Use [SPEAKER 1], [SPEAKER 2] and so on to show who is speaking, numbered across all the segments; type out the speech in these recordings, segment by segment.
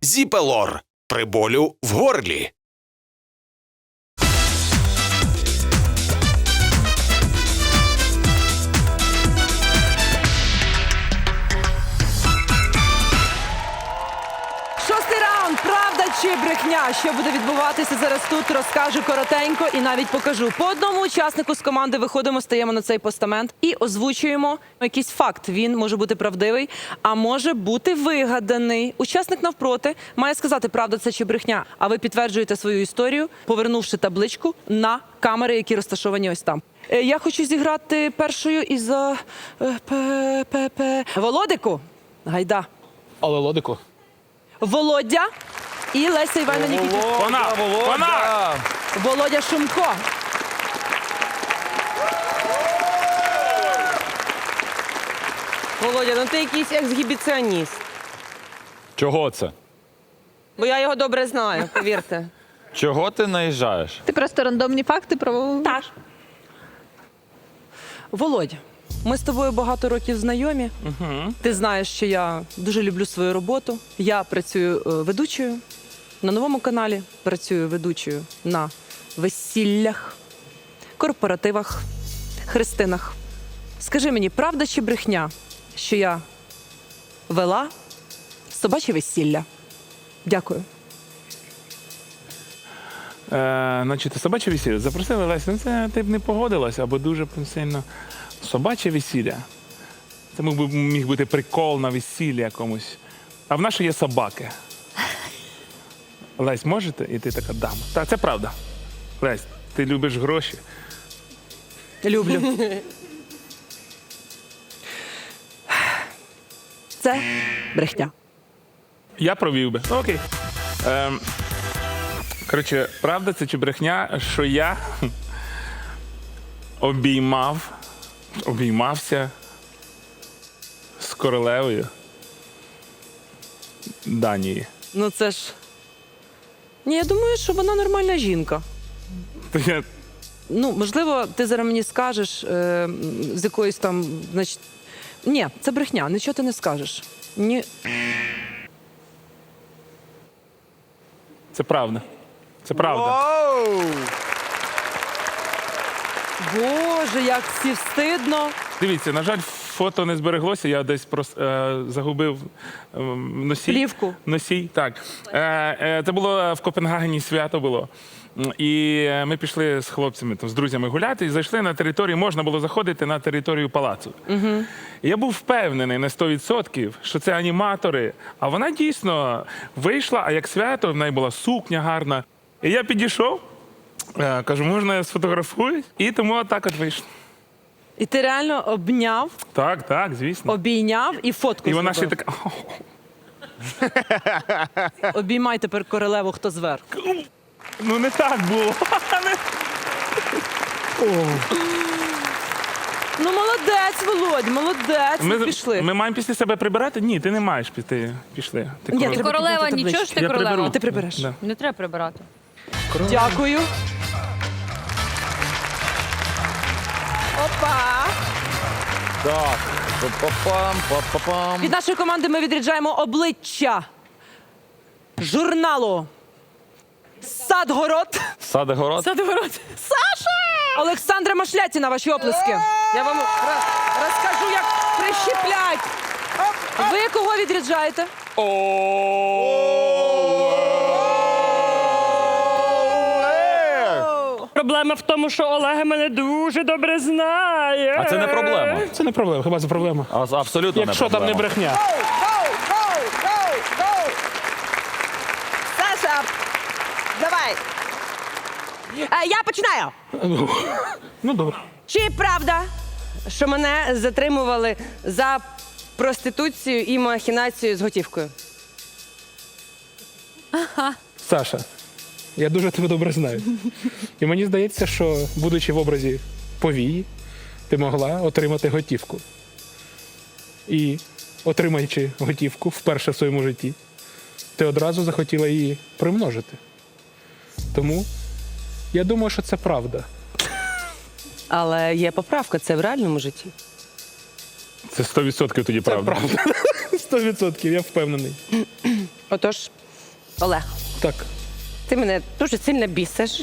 [SPEAKER 1] Зіпелор при болю в горлі.
[SPEAKER 2] Шостий раунд. Правда чи брехня? Що буде відбуватися зараз тут, розкажу коротенько і навіть покажу. По одному учаснику з команди виходимо, стаємо на цей постамент і озвучуємо якийсь факт. Він може бути правдивий, а може бути вигаданий. Учасник навпроти має сказати, правда це чи брехня. А ви підтверджуєте свою історію, повернувши табличку на камери, які розташовані ось там. Я хочу зіграти першою із Володику. Гайда.
[SPEAKER 3] Але Лодику.
[SPEAKER 2] Володя і Леся Іванівна Нікітюк.
[SPEAKER 3] Вона!
[SPEAKER 2] Володя Шумко.
[SPEAKER 4] Володя, ну ти якийсь ексгібіціоніст.
[SPEAKER 5] Чого це?
[SPEAKER 4] Бо я його добре знаю, повірте.
[SPEAKER 5] Чого ти наїжджаєш?
[SPEAKER 6] Ти просто рандомні факти про...
[SPEAKER 4] Так.
[SPEAKER 2] Володя, ми з тобою багато років знайомі. Ти знаєш, що я дуже люблю свою роботу. Я працюю ведучою на новому каналі, працюю ведучою на весіллях, корпоративах, хрестинах. Скажи мені, правда чи брехня, що я вела собаче весілля? Дякую.
[SPEAKER 3] Значить, собаче весілля. Запросили Лесь, ну це ти б не погодилась, або дуже сильно. Собаче весілля. Це міг бути прикол на весіллі якомусь. А в нас ще є собаки. Лесь, можете? І ти така дама. Так, це правда. Лесь, ти любиш гроші.
[SPEAKER 2] Люблю. Це брехня.
[SPEAKER 3] Я провів би. Ну, окей. Коротше, правда це чи брехня, що я обіймався з королевою Данії.
[SPEAKER 2] Ну це ж. Ні, я думаю, що вона нормальна жінка.
[SPEAKER 3] То я
[SPEAKER 2] Ну, можливо, ти зараз мені скажеш з якоїсь там, значить. Ні, це брехня, нічого ти не скажеш. Ні.
[SPEAKER 3] Це правда. Це правда.
[SPEAKER 2] Боже, як всі встидно.
[SPEAKER 3] Дивіться, на жаль, фото не збереглося, я десь просто загубив носій.
[SPEAKER 2] Плівку.
[SPEAKER 3] Носій, так. Це було в Копенгагені, свято було. І ми пішли з хлопцями, там, з друзями гуляти і зайшли на територію, можна було заходити на територію палацу. І я був впевнений на 100%, що це аніматори, а вона дійсно вийшла, а як свято, в неї була сукня гарна. І я підійшов, кажу, можна я сфотографуюсь? І тому отак от вийшло.
[SPEAKER 2] І ти реально обняв,
[SPEAKER 3] Так, звісно.
[SPEAKER 2] обійняв і фотку
[SPEAKER 3] І вона ще
[SPEAKER 2] зробив.
[SPEAKER 3] така.
[SPEAKER 2] Обіймай тепер королеву, хто зверх.
[SPEAKER 3] Ну не так було.
[SPEAKER 2] Ну, молодець, Володь, молодець. Пішли.
[SPEAKER 3] Ми маємо після себе прибирати? Ні, ти не маєш піти. Пішли. Ти
[SPEAKER 2] Ні,
[SPEAKER 3] королева.
[SPEAKER 2] треба
[SPEAKER 6] Королева,
[SPEAKER 2] підняти
[SPEAKER 6] нічого
[SPEAKER 2] табличку.
[SPEAKER 6] ж ти
[SPEAKER 3] Я
[SPEAKER 6] королева.
[SPEAKER 3] приберу.
[SPEAKER 2] Ти прибереш.
[SPEAKER 3] Да.
[SPEAKER 6] Не треба прибирати.
[SPEAKER 2] Дякую. Опа.
[SPEAKER 5] Так. Па-па-пам, па-па-пам.
[SPEAKER 2] Від нашої команди ми відряджаємо обличчя журналу «Садгород».
[SPEAKER 5] Садгород.
[SPEAKER 2] Саша! Олександра Машлятіна, ваші оплески. Я вам розкажу, як прищеплять. Ви кого відряджаєте?
[SPEAKER 7] Проблема в тому, що Олег мене дуже добре знає.
[SPEAKER 5] А це не проблема.
[SPEAKER 3] Це не проблема, хіба це проблема?
[SPEAKER 5] Абсолютно не
[SPEAKER 3] Якщо
[SPEAKER 5] проблема.
[SPEAKER 3] там не брехня.
[SPEAKER 4] Саша, давай. Я починаю.
[SPEAKER 3] Ну, добре.
[SPEAKER 4] Чи правда, що мене затримували за проституцію і махінацію з готівкою?
[SPEAKER 3] Саша, я дуже тебе добре знаю. І мені здається, що, будучи в образі повії, ти могла отримати готівку. І, отримаючи готівку вперше в своєму житті, ти одразу захотіла її примножити. Тому я думаю, що це правда.
[SPEAKER 4] Але є поправка, це в реальному житті.
[SPEAKER 3] Це 100% тоді правда. Це правда. 100%, я впевнений.
[SPEAKER 4] Отож, Олег,
[SPEAKER 3] Так.
[SPEAKER 4] ти мене дуже сильно бісиш.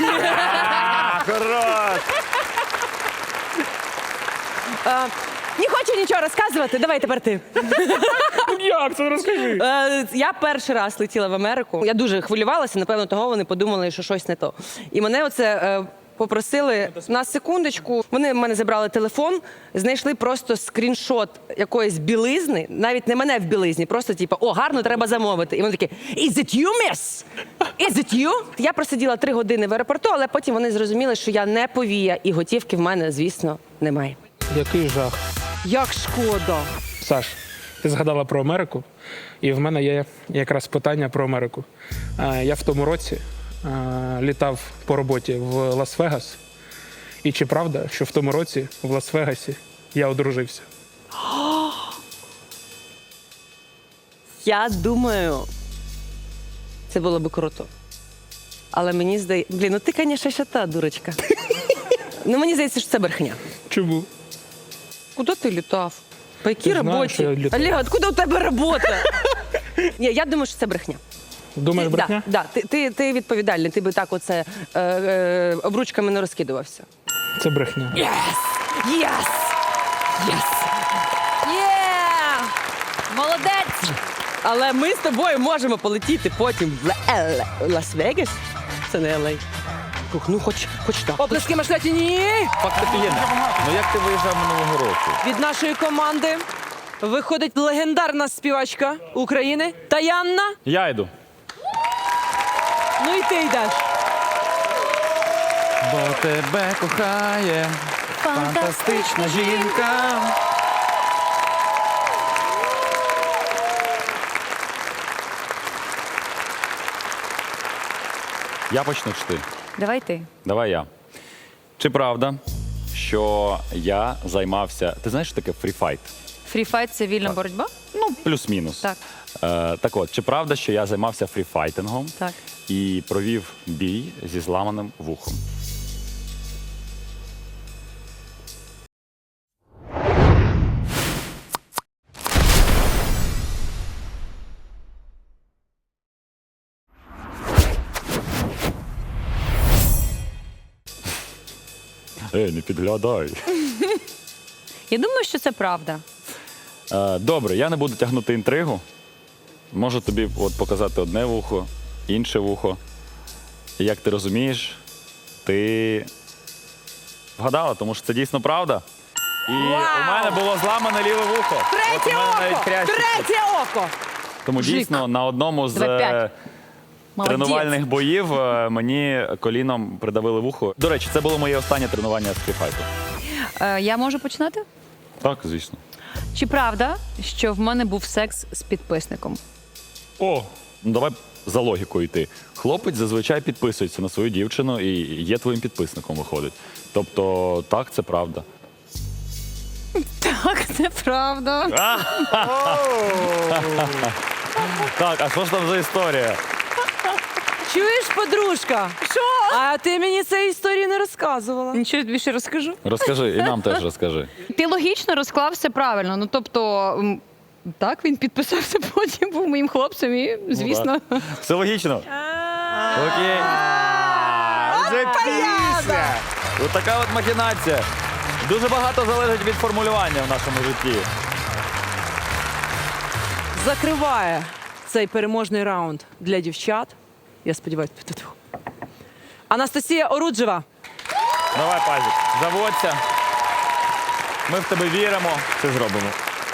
[SPEAKER 4] Не хочу нічого розказувати, давай тепер ти.
[SPEAKER 3] Як це розкажи?
[SPEAKER 4] Я перший раз летіла в Америку. Я дуже хвилювалася, напевно, того вони подумали, що щось не то. І мене оце попросили на секундочку. Вони в мене забрали телефон, знайшли просто скріншот якоїсь білизни, навіть не мене в білизні, просто типу, о, гарно, треба замовити. І вони такі, is it you, miss? Is it you? Я просиділа 3 години в аеропорту, але потім вони зрозуміли, що я не повія, і готівки в мене, звісно, немає.
[SPEAKER 3] Який жах.
[SPEAKER 2] Як шкода.
[SPEAKER 3] Саш, ти згадала про Америку, і в мене є якраз питання про Америку. Я в тому році літав по роботі в Лас-Вегас. І чи правда, що в тому році в Лас-Вегасі я одружився?
[SPEAKER 4] Я думаю, це було би круто. Але мені здається... Блін, ну ти, звісно, ще та дурочка. Ну мені здається, що це брехня.
[SPEAKER 3] Чому?
[SPEAKER 4] Куди ти літав? По якій
[SPEAKER 3] Ти знаєш,
[SPEAKER 4] роботі?
[SPEAKER 3] що я літав.
[SPEAKER 4] Олег, откуда у тебе робота? Ні, я думаю, що це брехня.
[SPEAKER 3] Думаєш, брехня?
[SPEAKER 4] Да, ти відповідальний, ти би так оце обручками не розкидувався.
[SPEAKER 3] Це брехня.
[SPEAKER 2] Єс! Єс!
[SPEAKER 6] Молодець!
[SPEAKER 4] Але ми з тобою можемо полетіти потім в Лас-Вегас. Це не Л.А. Ну, хоч так.
[SPEAKER 2] Оплески Машлеті, ні!
[SPEAKER 5] Факт офігенний. Ну як ти виїжджав минулого року?
[SPEAKER 2] Від нашої команди виходить легендарна співачка України Таянна.
[SPEAKER 5] Я йду.
[SPEAKER 2] Ну і ти йдеш.
[SPEAKER 5] Бо тебе кохає фантастична жінка. Я почну чи ти?
[SPEAKER 6] Давай ти.
[SPEAKER 5] Давай я. Чи правда, що я займався... Ти знаєш, що таке фріфайт?
[SPEAKER 6] Фріфайт це вільна боротьба?
[SPEAKER 5] Ну, плюс-мінус.
[SPEAKER 6] Так.
[SPEAKER 5] Так от, чи правда, що я займався фріфайтингом
[SPEAKER 6] Так.
[SPEAKER 5] і провів бій зі зламаним вухом? Не підглядай.
[SPEAKER 6] Я думаю, що це правда.
[SPEAKER 5] Добре, я не буду тягнути інтригу. Можу тобі от показати одне вухо, інше вухо. І як ти розумієш, ти вгадала, тому що це дійсно правда. І у мене було зламане ліве вухо. От у
[SPEAKER 2] Третє
[SPEAKER 5] мене навіть
[SPEAKER 2] око!
[SPEAKER 5] хрящик.
[SPEAKER 2] Третє око!
[SPEAKER 5] Тому дійсно на одному з
[SPEAKER 6] 2-5. Молодець.
[SPEAKER 5] тренувальних боїв мені коліном придавили вухо. До речі, це було моє останнє тренування з фріфайту.
[SPEAKER 6] Я можу починати?
[SPEAKER 5] Так, звісно.
[SPEAKER 6] Чи правда, що в мене був секс з підписником?
[SPEAKER 3] О,
[SPEAKER 5] Ну, давай за логікою йти. Хлопець зазвичай підписується на свою дівчину і є твоїм підписником, виходить. Тобто, так, це правда.
[SPEAKER 6] Так, це правда.
[SPEAKER 5] Так, а що ж там за історія?
[SPEAKER 2] Чуєш, подружка? Що? А ти мені цієї історії не розказувала.
[SPEAKER 6] Нічого більше розкажу.
[SPEAKER 5] Розкажи, і нам теж розкажи.
[SPEAKER 6] Ти логічно розклав все правильно. Ну тобто, так, він підписався потім, був моїм хлопцем і, звісно.
[SPEAKER 5] Все логічно? Окей. Ось така от махінація. Дуже багато залежить від формулювання в нашому житті.
[SPEAKER 2] Закриває цей переможний раунд для дівчат. Я сподіваюся, Анастасія Оруджева.
[SPEAKER 5] Давай, Пазік, заводься. Ми в тебе віримо. Це зробимо.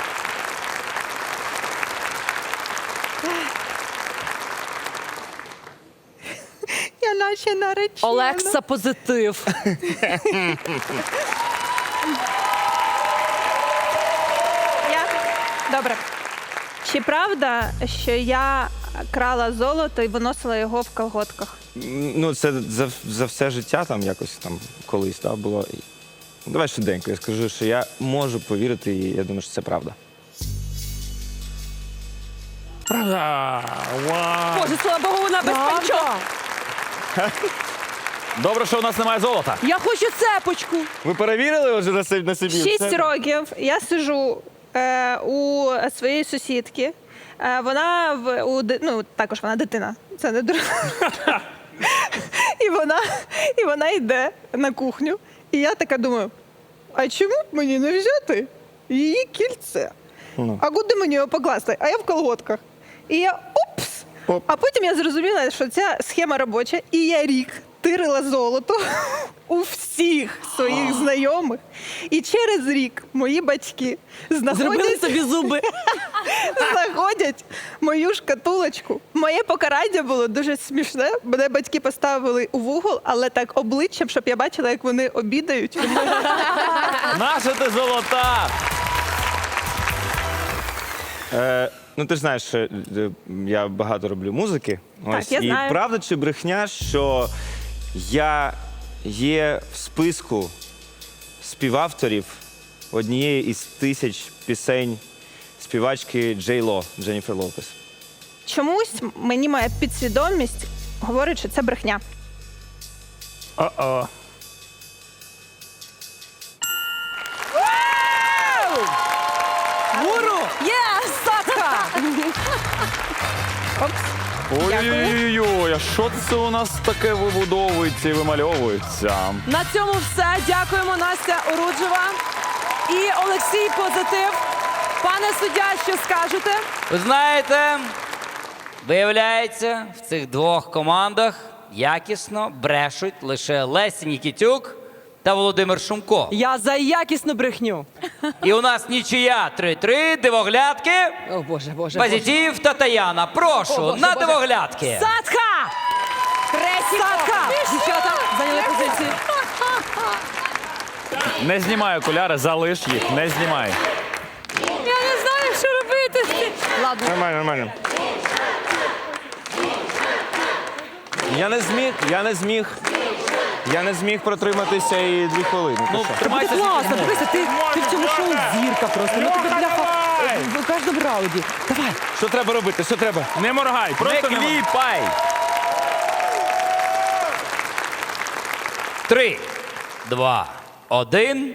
[SPEAKER 6] Я наче наречена.
[SPEAKER 2] Олекса позитив.
[SPEAKER 8] Добре. Чи правда, що я крала золото і виносила його в колготках?
[SPEAKER 9] Ну, це за все життя там якось там колись було. Давай швиденько, я скажу, що я можу повірити, і я думаю, що це правда.
[SPEAKER 3] правда. Вау.
[SPEAKER 2] Боже, слава Богу, вона без панчок.
[SPEAKER 5] Добре, що у нас немає золота.
[SPEAKER 2] Я хочу цепочку.
[SPEAKER 9] Ви перевірили вже на собі?
[SPEAKER 8] 6 років я сиджу у своєї сусідки, Вона також вона дитина. Це не друг. І вона йде на кухню. І я така думаю, а чому б мені не взяти її кільце? А куди мені його покласти? А я в колготках. І я упс! А потім я зрозуміла, що ця схема робоча, і я рік тирила золото у всіх своїх знайомих. І через рік мої батьки
[SPEAKER 2] Зробили собі зуби.
[SPEAKER 8] знаходять мою шкатулочку. Моє покарання було дуже смішне. Мене батьки поставили у вугол, але так обличчям, щоб я бачила, як вони обідають.
[SPEAKER 5] Наша ти золота!
[SPEAKER 9] Ну, ти ж знаєш, що я багато роблю музики.
[SPEAKER 8] Так, я
[SPEAKER 9] і
[SPEAKER 8] знаю.
[SPEAKER 9] правда чи брехня, що я є в списку співавторів однієї із 1000 пісень співачки Джей Ло, Дженніфер Лопес?
[SPEAKER 8] Чомусь мені моя підсвідомість говорить, що це брехня.
[SPEAKER 3] О-о.
[SPEAKER 2] Гуру! Є! Садка!
[SPEAKER 5] Ой-ой-ой, а що це у нас таке вибудовується і вимальовується?
[SPEAKER 2] На цьому все. Дякуємо, Настя Оруджева і Олексій Позитив. Пане суддя, що скажете?
[SPEAKER 10] Ви знаєте, виявляється, в цих двох командах якісно брешуть лише Леся Нікітюк та Володимир Шумко.
[SPEAKER 2] Я за якісну брехню.
[SPEAKER 10] І у нас нічия 3-3, дивоглядки,
[SPEAKER 4] О, Боже.
[SPEAKER 10] Позитив та Таяна. Прошу,
[SPEAKER 4] Боже,
[SPEAKER 10] на
[SPEAKER 4] Боже.
[SPEAKER 10] дивоглядки.
[SPEAKER 2] Садка! Садка! Дівчата, зайняли позиції.
[SPEAKER 5] Не знімай окуляри, залиш їх, не знімай.
[SPEAKER 6] Я не знаю, що робити. Ладно.
[SPEAKER 9] Нормально. Я не зміг протриматися і 2 хвилини. Ти що?
[SPEAKER 5] Тримайся.
[SPEAKER 2] Класно, дивися, ти в цьому шоу зірка просто. Ну тебе бляха в кожному раунді. Давай.
[SPEAKER 9] Що треба робити? Що треба?
[SPEAKER 3] Не моргай,
[SPEAKER 5] Не
[SPEAKER 3] просто не моргай.
[SPEAKER 5] кліпай!
[SPEAKER 10] 3, 2, 1.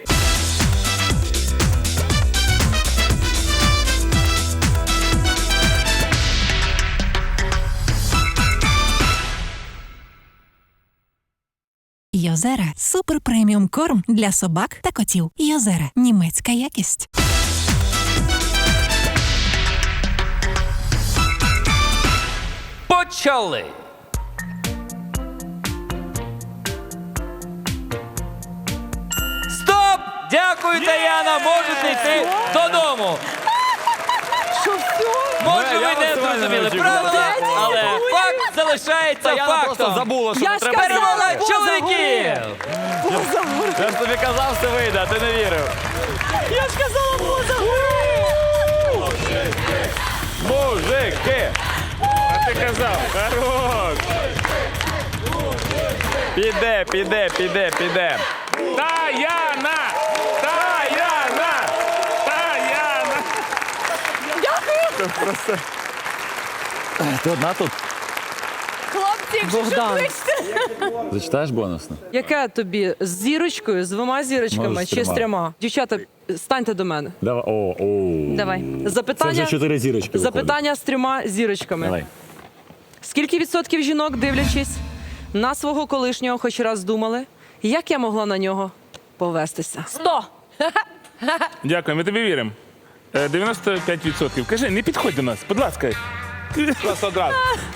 [SPEAKER 11] Йозера – супер преміум корм для собак та котів. Йозера – німецька якість.
[SPEAKER 10] Почали. Стоп! Дякую, Таяна, можете йти додому.
[SPEAKER 2] Що все?
[SPEAKER 10] Може,
[SPEAKER 5] Я
[SPEAKER 10] ви не
[SPEAKER 5] максимально
[SPEAKER 10] зрозуміли
[SPEAKER 5] не очікував.
[SPEAKER 10] правила, але факт залишається
[SPEAKER 5] Таяна просто
[SPEAKER 10] фактом.
[SPEAKER 5] забула, що
[SPEAKER 2] Я
[SPEAKER 5] не
[SPEAKER 2] ж
[SPEAKER 5] треба.
[SPEAKER 2] казала,
[SPEAKER 10] Перемога
[SPEAKER 2] поза
[SPEAKER 10] чоловіків!
[SPEAKER 5] Я ж тобі казав, все вийде, а ти не вірив.
[SPEAKER 2] Я ж казала, поза
[SPEAKER 5] Мужики!
[SPEAKER 3] А ти казав, хорош.
[SPEAKER 5] Піде.
[SPEAKER 3] Таяна! Таяна! Таяна!
[SPEAKER 5] Ти одна тут?
[SPEAKER 2] Богдан,
[SPEAKER 5] Зачитаєш бонусно?
[SPEAKER 2] яке тобі з зірочкою, з 2 зірочками
[SPEAKER 5] Може, з
[SPEAKER 2] чи з
[SPEAKER 5] 3?
[SPEAKER 2] 3? Дівчата, станьте до мене.
[SPEAKER 5] Давай.
[SPEAKER 4] Давай.
[SPEAKER 2] Запитання,
[SPEAKER 5] 4 зірочки.
[SPEAKER 2] запитання з 3 зірочками.
[SPEAKER 5] Давай.
[SPEAKER 2] Скільки відсотків жінок, дивлячись на свого колишнього, хоч раз думали, як я могла на нього повестися?
[SPEAKER 4] 100.
[SPEAKER 3] Дякую, ми тобі віримо. 95%. Кажи, не підходь до нас, будь ласка.
[SPEAKER 9] Просто одразу.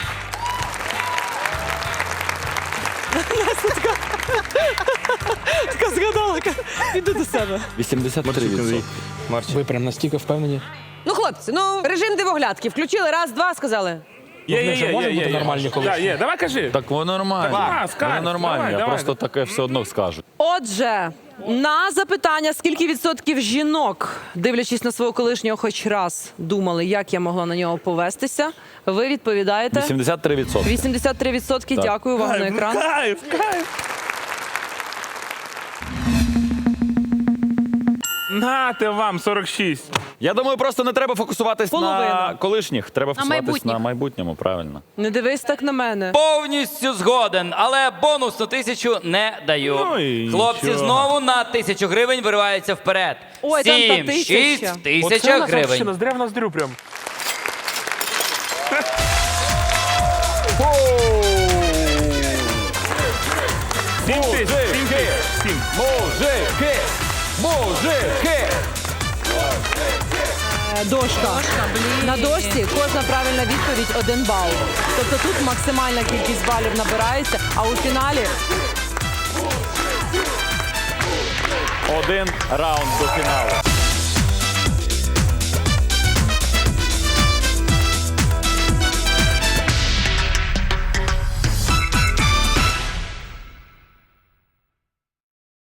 [SPEAKER 2] Така згадала, піду до себе.
[SPEAKER 5] 83%.
[SPEAKER 9] Ви
[SPEAKER 3] прям настільки впевнені?
[SPEAKER 4] Ну, хлопці, режим дивоглядки. Включили, раз, два, сказали.
[SPEAKER 3] Є. Нормальні колишні. Є, давай кажи.
[SPEAKER 5] Так воно нормально.
[SPEAKER 3] Давай, скажи,
[SPEAKER 5] Воно нормально,
[SPEAKER 3] давай,
[SPEAKER 5] я
[SPEAKER 3] давай.
[SPEAKER 5] просто таке все одно скажу.
[SPEAKER 2] Отже, на запитання, скільки відсотків жінок, дивлячись на свого колишнього, хоч раз думали, як я могла на нього повестися, ви відповідаєте
[SPEAKER 5] 83%.
[SPEAKER 2] 83%. Дякую вам на екран.
[SPEAKER 3] Кайф. Нате вам 46.
[SPEAKER 5] Я думаю, просто не треба фокусуватись на
[SPEAKER 2] Половина.
[SPEAKER 5] колишніх. Треба фокусуватись
[SPEAKER 6] майбутніх.
[SPEAKER 5] на майбутньому, правильно.
[SPEAKER 2] Не дивись так на мене.
[SPEAKER 10] Повністю згоден, але бонус на 1000 не даю.
[SPEAKER 3] Ну і
[SPEAKER 10] Хлопці
[SPEAKER 3] нічого.
[SPEAKER 10] знову на 1000 гривень вириваються вперед.
[SPEAKER 2] Ой, там та
[SPEAKER 10] 7, 6,
[SPEAKER 2] 1000.
[SPEAKER 10] 1000 гривень.
[SPEAKER 3] Здря в ноздрю прям. Сім тисяч.
[SPEAKER 5] Мужики! Мужики!
[SPEAKER 2] Дошка. На дошці кожна правильна відповідь 1 бал. Тобто тут максимальна кількість балів набирається, а у фіналі
[SPEAKER 5] 1 раунд до фіналу.